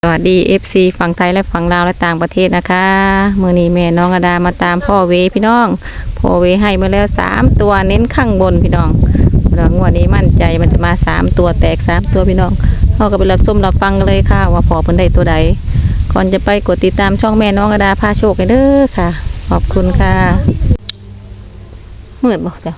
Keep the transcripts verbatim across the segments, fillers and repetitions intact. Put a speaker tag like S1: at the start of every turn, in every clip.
S1: สวัสดี เอฟ ซี ฝั่งไทยและฝั่งลาวและต่างประเทศนะคะมื้อนี้แม่น้องอดามาตามพ่อเวพี่น้องพ่อเวให้มาแล้วสามตัวเน้นข้างบนพี่น้องเรางวดนี้มั่นใจมันจะมาสามตัวแตกสามตัวพี่น้องเฮาก็ไปรับชมรับฟังกันเลยค่ะว่าพ่อเพิ่นได้ตัวใดก่อนจะไปกดติดตามช่องแม่น้องอดาพาโชคกันเด้อค่ะขอบคุณค่ะมืดบ่จ้ะ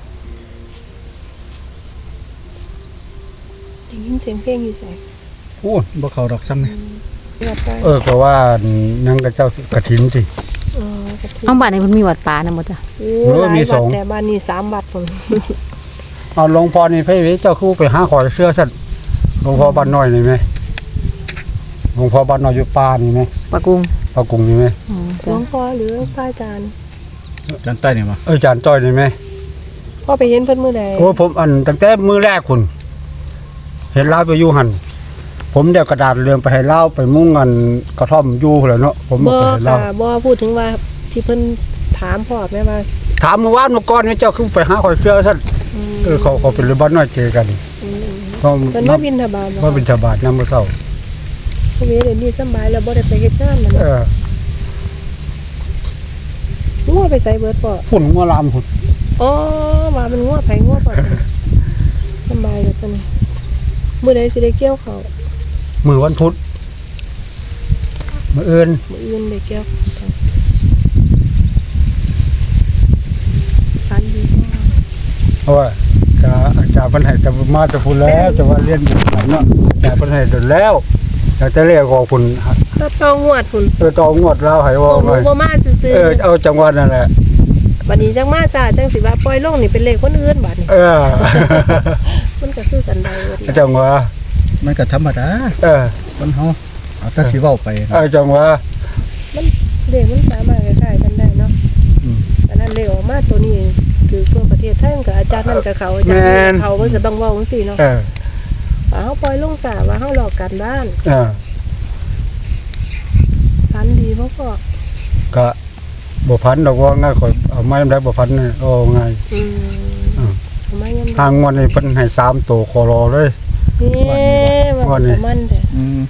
S2: ได้ยินเสียงเพลงอยู่ใส่
S3: โอ้บ่เข้าดอกซ้ำนี่
S2: วัดไป
S3: เออก็ว่านังกระเจ้ากฐินสิ
S2: อ๋อกระถิ่น
S1: เอาบ้านนี้เพิ่นมีวัดป่านำบ่จ้ะ
S2: โอ้
S3: เออ
S2: หลาย
S3: มีส
S2: วั
S3: อ
S2: ด
S3: ง
S2: แต่บ้านนี้สามวัดผม
S3: เอาหลวงพ่อนี่ไปเว้เจ้าคือไปหาขอยเสื้อสั่นหลวงพ่อบ้านน้อยนี่ไหมหลวงพ่อบ้านน้อยอยู่ป่านี่ไหม
S1: ปะกุง
S3: ปากรุงนี่ไหม
S1: อ๋อ
S2: หล
S1: จ้ะ
S2: วงพ่อหรือพระอาจารย์
S4: จานใต้เนี่ยมา
S3: เอออาจารย์จ้อยนี่ไหม
S2: พ่อไปเห็นเพิ่นมื้อใด
S3: โอ้ผมอันตั้งแต่มื้อแรกคุณเห็นลาวไปอยู่หั่นผมเดี๋ยวกระดาษเรื่องไปให้ลาวไปมุ่งกันกระท่อมอยู่พุ่นแหล้วเนาะผม
S2: บ่
S3: บ่ไปให้ลา
S2: ค่ะ
S3: ว
S2: บ่พูดถึงว่าที่เพิ่นถามพ่อแม่ว่า
S3: ถามเมื่อวานเมื่อก่อนนี่เจ้าคือไปหาขอยเสื้อสั่น
S2: อืม
S3: เออเขาเขาเป็นเรือบ้านน้อยเจอกัน
S2: อืม
S3: เขา
S2: เพิ่นมาบิณฑบาตบ่
S3: ว่าเป็นชาวบ้านนำมื้อเช้า
S2: พระเวเดี๋ยวนี้สำบายแล้วบ่ได้ไปเฮ็ดงานนั่น
S3: เออ
S2: งัวไปใส่เบิดพ่อ
S3: ฝุ่นงัวลามพุ่น
S2: อ๋อว่ามันงัวไผงัวพ่อสำบายแล้วตอนนี้มื้อใดสิได้เกี่ยวข้าว
S3: มือวันพุธมืออื่น
S2: มื้ออื่นได้เกี่ยวข้าวฟันดีพ่อ
S3: เพราะว่าจะอาจารย์เพันให้จะมาจะพูดแล้วจะว่าเรียนอยู่กันเนาะอาจารย์เพันให้เดินแล้วอยากจะเรียกของคุณ
S2: ก็ต้องงวดพุ่น
S3: เออต่องวดแล้วให้
S2: โอ้
S3: ว่า
S2: ห
S3: ไง
S2: นูบ่มาซื่อ
S3: เออเอาจังหวัดนั่นแหละ
S2: ๆบัดนี้จังมาซาจังสิว่าปล่อยลงนี่เป็นเลขคนอื่นบัดนี้
S3: เออ
S2: มันก็คือกันได้เบิด
S3: จังหวะ
S4: มันก็ธรรมดา
S3: เออ
S4: คนเฮาเอาแต่สิเว้าไป
S3: เออจังหวะ
S2: มันเลขมันสามารถคล้ายๆกันได้เนาะ
S3: อืม
S2: อันนั้นเลขออกมาตัวนี้คือทั่วประเทศไทยมันก็อาจารย์นั่นกับเขาอาจารย์นี่กับเขาเพิ่นก็ต้องเว้าจังซี่เนาะ
S3: เออ
S2: ว่าเฮาปล่อยลงสาว่าเฮาหลอกกันบ้าน
S3: เออ
S2: พันดีบ่พ่อ
S3: ก็บ่พันดอกว่าง่ายข่อยเอาไม้ได้บ่พันนี่เอาไง
S2: อืม
S3: อืม
S2: เอามายัง
S3: ทางงวดนี่เพิ่นให้สามตัวคอรอเลย
S2: นี่มัน
S3: วันนี้
S2: ก็มันแท้
S4: อืม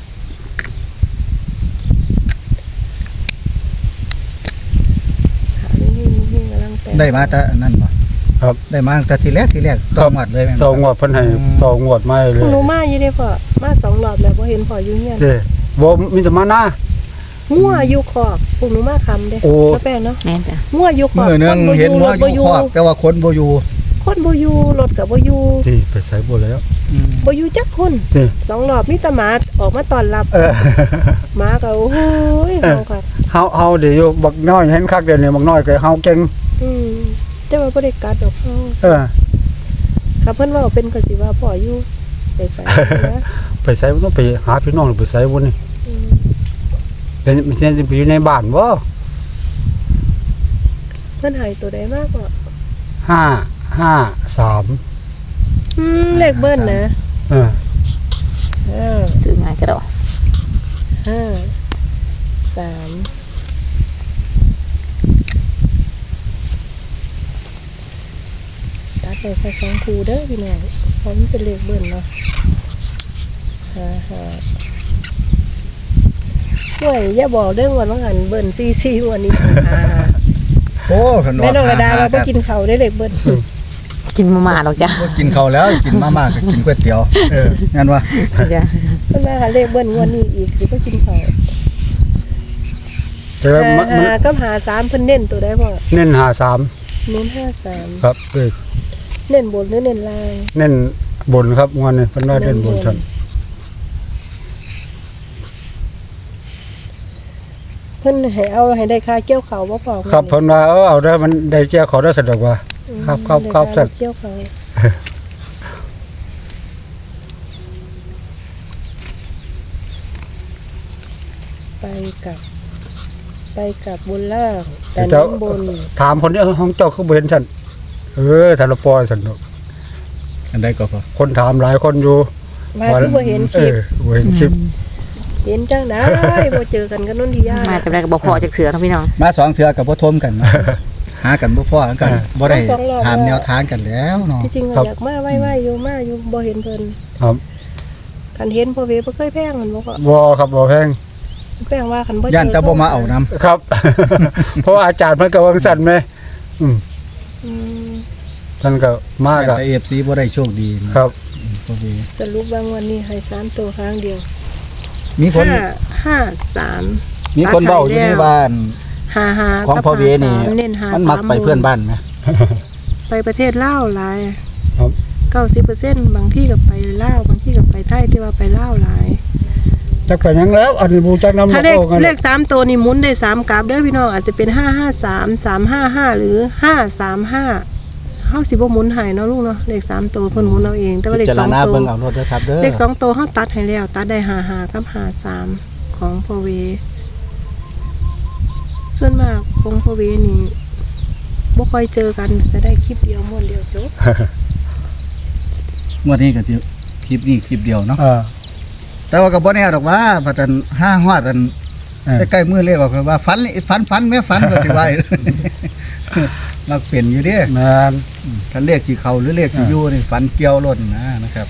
S2: ขานี่นี่กำลังแต่ง
S4: ได้มาแต่อันนั้นบ่
S3: ครับ
S4: ได้มาแต่ทีแรกทีแรกต้องหมัดเลยแม่นบ่
S3: ต่องวดเพิ่นให้ต่องวดมาเล
S2: พวก
S3: ย
S2: หนูมาอยู่เด้พ่อมาสองรอบแล้วบ่เห็นพ่ออยู่เฮียน
S3: เด้บ่มีแต่มาหน้า
S2: งัวอยู่ขอบพวกหนูมาคำเด้
S3: โอ้
S2: แล้วแป้งเนาะ
S1: แม่นจ้ะ
S2: งัวอยู่ขอบ
S4: มื้อนึง
S2: คบ่
S4: เห็นว่า
S2: รถ
S4: อยู่
S2: บ่
S4: คอกแต่ว่าคนบ่อยู่
S2: คนบ่อยู่รถก็บ่อยู่
S3: ที่ไปใส่บ่แล้ว
S4: อืม
S2: บ่อยู่จักคน
S3: นี่
S2: สองรอบมีแต่หมาออกมาต้อนรับ
S3: เออ
S2: หมาก็โอ้โหย
S3: เออ
S2: เฮาค่ะ
S3: เฮาเฮาเดี๋ยวอยู่บักน้อยเห็นคักเดี๋ยวนี้บักน้อยก็เฮาเก่ง
S2: อืมแต่ว่าบ่ได้กัดดอกเฮา
S3: เออ
S2: ค่ะเพิ่นว่าเป็นก็สิว่าพ่ออยู่ไปไสนะ
S3: ไปใส่บ่ต้องไปหาพี่น้องหรือไปใส่บ่นี่
S2: อืม
S3: เป็นมันจะไปอยู่ในบ้านบ่
S2: เพิ่นให้ตัวใดมากกว่า
S3: ห้า ห้า สาม
S2: อืมเลขเบิ้ลนะ
S3: เออ
S2: ห้า
S1: ซื้อง่ายก็ได้
S2: ห้าสามตัดไปแค่สองคูเด้อพี่น้องเพราะมันเป็นเลขเบิ้ลเนาะห้าห้าห่วยอย่าบอกเรื่องวันว่าหันเบิ้ลซีซีวันนี้ห้าห้า
S4: โอ้ขนม
S2: แม่น้องกระดาเราไปกินเขาวได้เลขเบิ้ล
S1: กินมาม่าหรอกจ้ะ
S4: บ่กินข้าวแล้วกินมาม่าก็กินก๋วยเตี๋ยวเอองั้นว่า
S1: จ้ะ
S2: เพิ่นมาหาเลขเบิ้ลงวดนี้อีกสิไปกินเขาว
S3: แต่ว่ามันมัน
S2: หากับหาสามเพิ่นเน้นตัวได้พ่อ
S3: เน้นห้าสาม
S2: เน้นห้าสาม
S3: ครับเออ
S2: เน้นบนหรือเน้นล่าง
S3: เน้นบนครับงวดนี้เพิ่นว่าเน้นบนซั่น
S2: เพิ่นให้เอาให้ได้ค่าเกี่ยวเขาวบ่พอ
S3: ครับเพิ่นว่าเออเอาได้มันได้แจ้ขอได้สะดวกว่า
S2: อืม
S3: ครับครับครับ
S2: ได้
S3: สั่
S2: ค่าน เกี่ยวเขาวไปกับ ไปกับบนล่างแต่
S3: เจ้า
S2: น้ำบน
S3: ถามคนนี้ห้องเจ้าคือบ่เห็นซั่นเออถ้าเราปล่อยซั่นเนาะ
S4: อันใดก็พอ
S3: คนถามหลายคนอยู่
S2: ว่าคือบ่เห็นค
S3: เอ
S2: ลิป
S3: อบ่เห็นคลิป
S2: เห็นจังได้บ่เจอกันกับนนทิยา
S1: มาจำได้ก็บ่พอจากเสือทั้งพี่น้อง
S4: มาสองเทื่อก็บ่ทมกันเนาะหากันบ่พอกันบ่ได้ถามแนวทางกันแล้วเนาะ
S2: ที่จริงอะอยากมาไว้ๆอยู่มาอยู่บ่เห็นเพิ่น
S3: ครับ
S2: คันเห็นพ่อเวบ่เคยแพงมันบ่ก็
S3: บ่ครับบ่แพง
S2: แพงว่าคันบ่เจอ
S4: ย่านแต่บ่มาเอานํ
S3: ครับ เพราะอาจารย์เพิ่นก็วางสั่นแม่อืม
S2: อืม
S3: ท่านก็มากอ่ะ
S4: แต่ เอ เอฟ ซี บ่ได้โชคดีนะครับ พอดี
S2: สรุปว่าวันนี้ให้สามตัวครั้งเดียว
S4: มีคน
S2: ห้า ห้า สาม
S4: มีคนเว้าอยู่ในบ้าน
S2: ห้าห้า
S4: ของ
S2: กับ
S4: พ่อเวนี่
S2: ห้าสามเน้นห้า
S4: มันมัก
S2: สาม
S4: ไปเพื่อนบ้านไหม
S2: ไปประเทศลาวหลาย
S3: ครับ
S2: เก้าสิบเปอร์เซ็นต์บางที่ก็ไปลาวบางที่ก็ไปไทยที่ว่าไปลาวหลาย
S3: จักไปหยังแล้ว อันนี้บูจักนำ
S2: ถ้าเลข
S3: โอ้กัน
S2: เลขสามตัวนี่หมุนได้สามกราฟเด้อพี่น้องอาจจะเป็นห้าห้าสามสามห้าห้าหรือห้าสามห้าเฮาสิบ่หมุนให้เนาะลูกเนาะเลขสามตัวเพิ่นหมุนเอาเองแต่ว่าเลข
S4: พิ
S2: ส
S4: จา
S2: อ
S4: รง ณา
S2: ตัว
S4: เบิ่งเอารถเด้อครับเด้อ
S2: เลขสองตัวเฮาตัดให้แล้วตัดได้ห้าห้ากับห้าสามของพ่อเว ส่วนมากของพ่อเวนี่บ่ค่อยเจอกันจะได้คลิปเดียวม้วนเดียวจบ
S4: งวดนี้ก็สิคลิปนี้คลิปเดียวเนาะ
S3: เออ
S4: แต่ว่าก็บ่แน่ดอกว่าพัดอันห้าฮอดอัน
S3: เออ
S4: ใกล้ๆมื้อเลขออกก็ว่าฝันฝันฝันแม่ฝันก็สิว่า มักเป็นอยู่เด้
S3: แม่น
S4: คันเลขสิเข้าหรือเลขสิอยู่นี่ฝันเกี่ยวรถนะนะครับ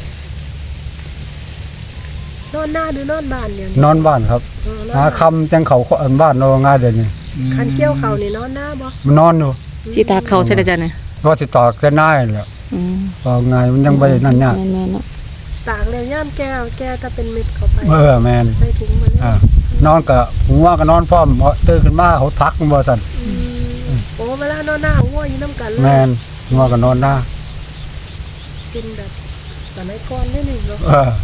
S2: นอนหน้าหรือนอนบ้านเนี่ย
S3: นอนบ้านครับ
S2: เออนอน
S3: หา
S2: บ้าน
S3: คำจังเขาอันบ้านเนาะง่ายเดี๋ยวนี้
S2: คันเกี่ยวเขานี่นอนหน้าบ่
S3: มันนอนอยู่
S1: สิตาเขาใช่ได้จ้ะเนี่ย
S3: ว่าสิตอกจะน่ายแหล้ว
S1: อืม
S3: ว่าไงมันยังบ่ได้นั่นยาก
S1: แม่นๆเนาะ
S2: ตากแล้วย่ามแก้วแก้วถ้าเป็นเม็ดเข้าไป
S3: เออแม่น
S2: ใส่ถุงมาเลย
S3: อ่านอนก็หัวก็นอนพร้อมเพราะตื่นขึ้นมาเขาทักบ่ซั่น
S2: อืมโอ้เวลานอนหน้าหัวอยู่น้ำกันเลย
S3: แม่นหัวก็นอนหน้า
S2: กินแบบสมัยก่อนนี่นี่เนาะ
S3: เออน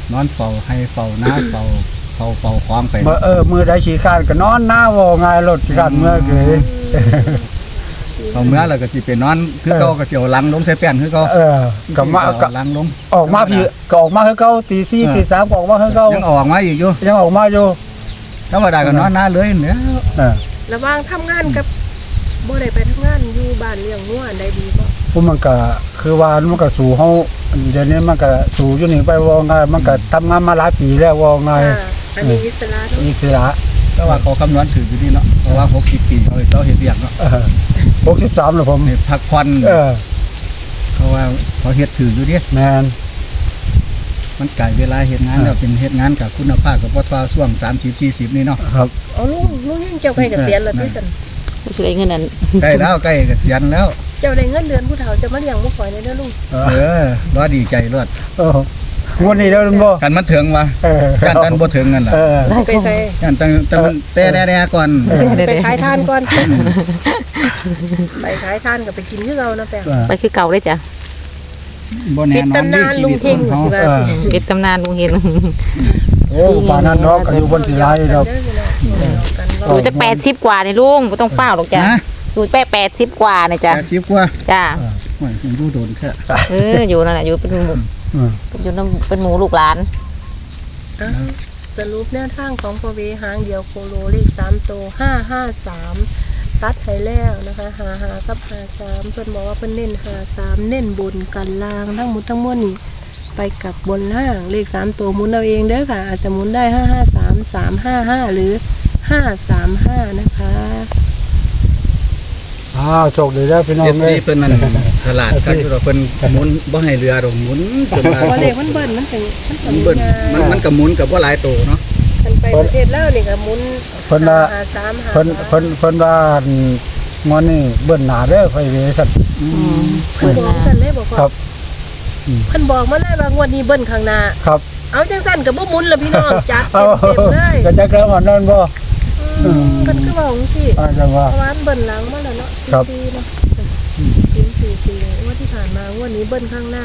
S4: อนเฝ้าให้เฝ้านาเฝ้าเฝ้าเฝ้าของไป
S3: เมื่อเออมือใดขี้ข้านก็นอนหน้าว่าง่ายรถขี้ข้านเมื่อเกย
S4: เอาเมื่อแล้วก็สิไปนอนคือเก่าก็สิเอาหลังลงใส่แป้นคือเก่า
S3: เออก็มาก็
S4: เอหลังลง
S3: ออกมาพี่ก็ออกมาคือเก่าตีสี่ตีสามก็ออกมาคือเก่า
S4: ยังออกมาอีกอยู่
S3: ยังออกมาอยู่
S4: ธรรมดาก็นอนหน้าเลยเนี่ย
S3: เออ
S2: ระหว่างทำงานกับบ่ได้ไปทำงานอยู่บ้านเลี้ยงงัวอันใดดีบ่
S3: พวกมันก็คือว่ามันก็สู่เฮาเดี๋ยวนี้มันก็สู่อยู่นี่ไปว่าง่ายมันก็ทำงานมาหลายปีแล้วว่าง่าย
S2: อ่าอันนี้อิสระเนาะ
S3: อิสระ
S4: แต่ว่าเขาคำนวณถืออยู่นี่เนาะเพราะว่าหกสิบปีเขาเจ้าเฮ็ดเวียกเนาะ
S3: เออหกสิบสามแล้วผม
S4: ให้พักผ่อน
S3: เออ
S4: เพราะว่าเขาเฮ็ดถืออยู่เดิ
S3: แม่น
S4: มันไก่เวลาเฮ็ดงานแล้วเป็นเฮ็ดงานกับคุณภาพกับบ่ทว่าช่วงสามสิบ สี่สิบนี่เนาะ
S3: ครับ
S2: เอาลุงลุงยังเจ้าไปเกษียณแล้วที่ซั่น
S1: รู้สึกไอ้เงินนั้น
S4: ใกล้แล้วใกล้เกษียณแล้ว
S2: เจ้าได้เงินเดือนผู้เฒ่าจะมาเลี้ยงบ่ข่อยได้เด้อลุง
S3: เอ
S4: เอ
S3: อ
S4: อรอดีใจรอด
S3: เออวันนี้แล้วมันบ่
S4: กันมันถึงว่า
S3: เออ
S4: กันตันบ่ถึงกันล่ะ
S3: เออ
S2: ไปใส่
S4: กันตันแต่มันแต่แน่ๆก่อน
S2: ไปขายทานก่อนไปขายทานก็ไปกินคือเรานะแป้ง
S1: ไปคือเก่าได้จ้ะ
S4: บ่
S2: ปิ
S4: แน่
S2: ด
S4: นอน
S2: ตำนาน
S4: ชี
S2: ลุ
S4: วิ
S2: ง
S4: ต
S2: เฮง
S4: ของ
S2: สิ
S4: เขา
S2: ว่า
S3: เออ
S1: ปิดตำนานลุงเห็น
S3: โอ้ป่านนั้นเนาะก็อยู่บนสิไลดอก
S1: อยู่จักแปดสิบกว่านี่ลุงบ่ต้องเฝ้าหรอกจ้ะ
S4: นะ
S1: อยู่แปดแปดสิบกว่านี่จ้ะ
S4: แปดสิบกว่า
S1: จ้ะ
S4: โอ้ยผมดูโดนแค่
S1: เอออยู่นั่นแหละอยู่เป็นหมู
S3: อืม
S1: อยู่น้ำเป็นหมูลูกหลาน
S2: สรุปแนวทางของพอเวหางเดียวโคโลเลขสามตัวห้าห้าสามตัดให้แล้วนะคะหาหากับหาสามเพิ่นบอกว่าเพิ่นเน้นหาสามเน้นบนกันล่างทั้งหมดทั้งมวลนี่ไปกับบนล่างเลขสามตัวหมุนเอาเองเด้อค่ะอาจจะหมุนได้ห้าห้าสามสามห้าห้าหรือห้าสามห้านะคะ
S3: อ้าวโชคดีแล้วพี่น้อง
S4: เจ็ด
S3: เอ้
S4: สี
S3: ย
S4: เพิ่นนั่นฉลาดกันอยู่ดอกเพิ่นหมุนบ่ให้เรือดอกหมุนจนว่า
S2: พอเลขมันเบิ้ลมันถึงมันถึ
S4: มัน
S2: ง
S4: เบิ่นมันมันก็หมุนกับบ่หลายโตเนาะ
S2: มันไปประเทศลาวนี่ก็หมุน
S3: เพิ่นว่า
S2: หาสามหา
S3: เพิ่นเพิ่นเพิ่นว่างอนนี่เบิ่นหน้าเด้อไฟเวซั่น
S2: เพิ่นบอกสั่นเลยบอกว่า
S3: ครับ
S2: เพิ่นบอกมาเลยว่างวดนี้เบิ้ลข้างหน้า
S3: ครับ
S2: เอาจังสั่นกับบ่หมุนละพี่น้องจัด
S3: เอา
S2: เต็มๆเลย
S3: ก็จักแล้วว่านั่นบ่
S2: อืมเพิ่นคือว่าจังซี่
S3: อาจารย์ว่า
S2: เพราะว่ามันเบิ้ลหลังมาแล้วเนาะ
S3: ครับ
S2: สี่ๆเนาะสี่สี่สี่งวดที่ผ่านมางวดนี้เบิ้ลข้างหน้า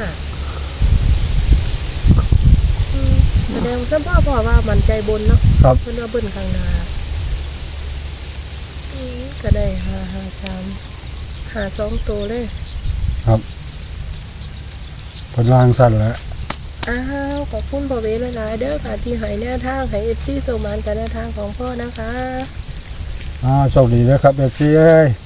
S2: อืมแสดงว่าพ่อพ่อว่ามันใจบนเนาะ
S3: ครับ
S2: เพิ่นว่าเบิ้ลข้างหน้าอืมก็ได้ห้าห้าสามหาสองตัวเลย
S3: ครับเพิ่นวางสั่นแหล้ว
S2: อ้าวขอบคุณพ่อเวหลายๆเด้อค่ะที่ให้แนวทางให้ เอฟ ซี โซมานกับแนวทางของพ่อนะคะ
S3: อ่าโชคดีเด้อครับเอฟซีเอ้ย